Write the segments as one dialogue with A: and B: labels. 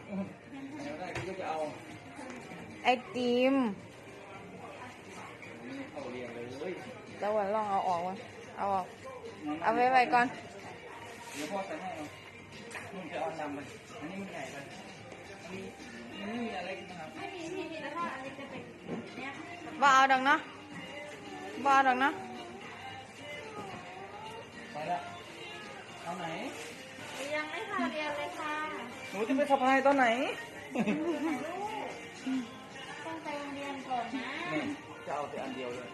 A: ได้พี่ก็จะเอา
B: ไอติม
A: เข้าเรียนเลย
B: แล้ววันลองเอาออกวะเอาออกเอาไว้ก่อน
A: เดี๋ยวพ่อใส่ให้เอามึงจะเอานำไปอันนี้มันใหญ่ไปมีมันไม่มีอะไรนะครับไม่มีแล้วถ้าอันนี้จะเป็นเนี้ย
B: บ่เอาดอกเนาะบ่เอาดอกเนาะ
A: ไปละเอาไหน
C: ยังไม่พาเรียนเลยค่ะ
A: หนูจะไปสะพายตอนไหน
C: ต้องไปโรงเรียนก่อนนะ
A: นี่จะเอาแต่อันเดียวเลย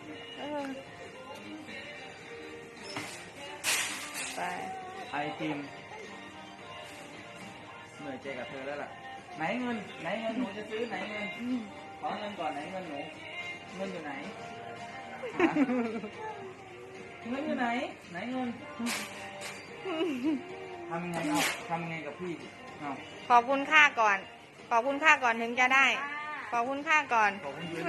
B: ไป
A: ไอติมเหนื่อยใจกับเธอแล้วล่ะไหนเงินหนูจะซื้อไหนเงินขอเงินก่อนไหนเงินหนูเงินอยู่ไหนเงินอยู่ไหนไหนเงินทำไงเอาทำไงกับพี่เอา
B: ขอบคุณค่าก่อนขอบคุณค่าก่อนถึงจะได้ขอบคุณค่าก่อน
A: ขอบคุณยืน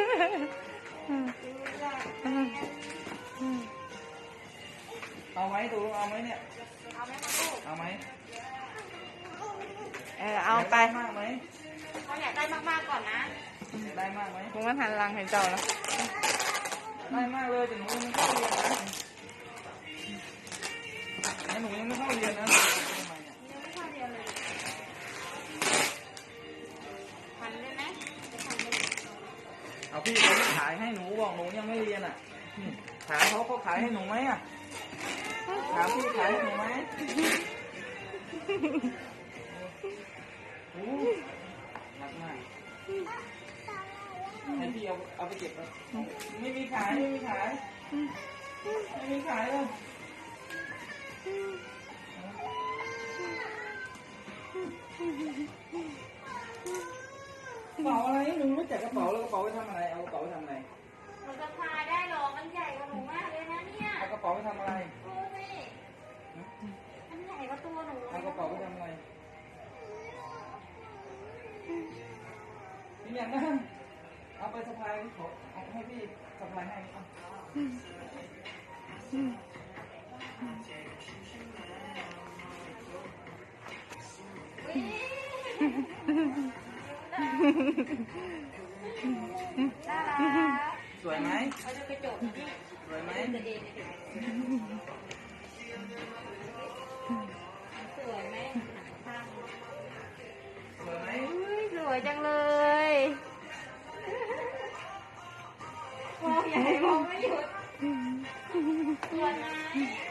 A: เอาไหมดูเอาไหมเนี่ย
C: เอาไหมมาลูก
A: เอาไหม
B: เอาไป
A: มากไหม
C: เขาอยากได้มากๆก่อนนะ
A: ได้มากไหม
B: ผมก็หันหลังให้เจ้าแล้ว
A: ได้มากเลยแต่หนูยังไม่เข้าเรียนนะหนูยังไม่เข้าเรียนนะทำไมเนี่ย
C: ยังไม่เข้าเรียนเลยทันได้ไหมจะทันได้
A: เอาพี่เขาไม่ขายให้หนูบอกหนูยังไม่เรียนอ่ะถามเขาขายให้หนูไหมอ่ะถามพี่ขายให้หนูไหมรักมากให้พี่เอาไปเก็บไปไม่มีขายเลยกระเป๋าอะไรหนูรู้จักกระเป๋าแล้วกระเป๋าไปทำอะไรเอากระเป๋าไปทำอะไร
C: มันจะพายได้หรอมันใหญ่กว่าหนูมากเลยนะเนี่ย
A: เอากระเป๋าไปทำอะไร
C: ดูสิมันใหญ่กว่าตัวหนู
A: เอากระเป๋าไปทำอะไรนี่อย่างนั้นเอาไปสะพายขอเอาให้พี่สะพายให้สวยไหม
C: เอาจะไปจบ
A: สวยไหม
C: สวยไหม
A: สวยไหม
B: สวยจังเลย
C: มองใหญ่มองไม่หยุดสวยไหม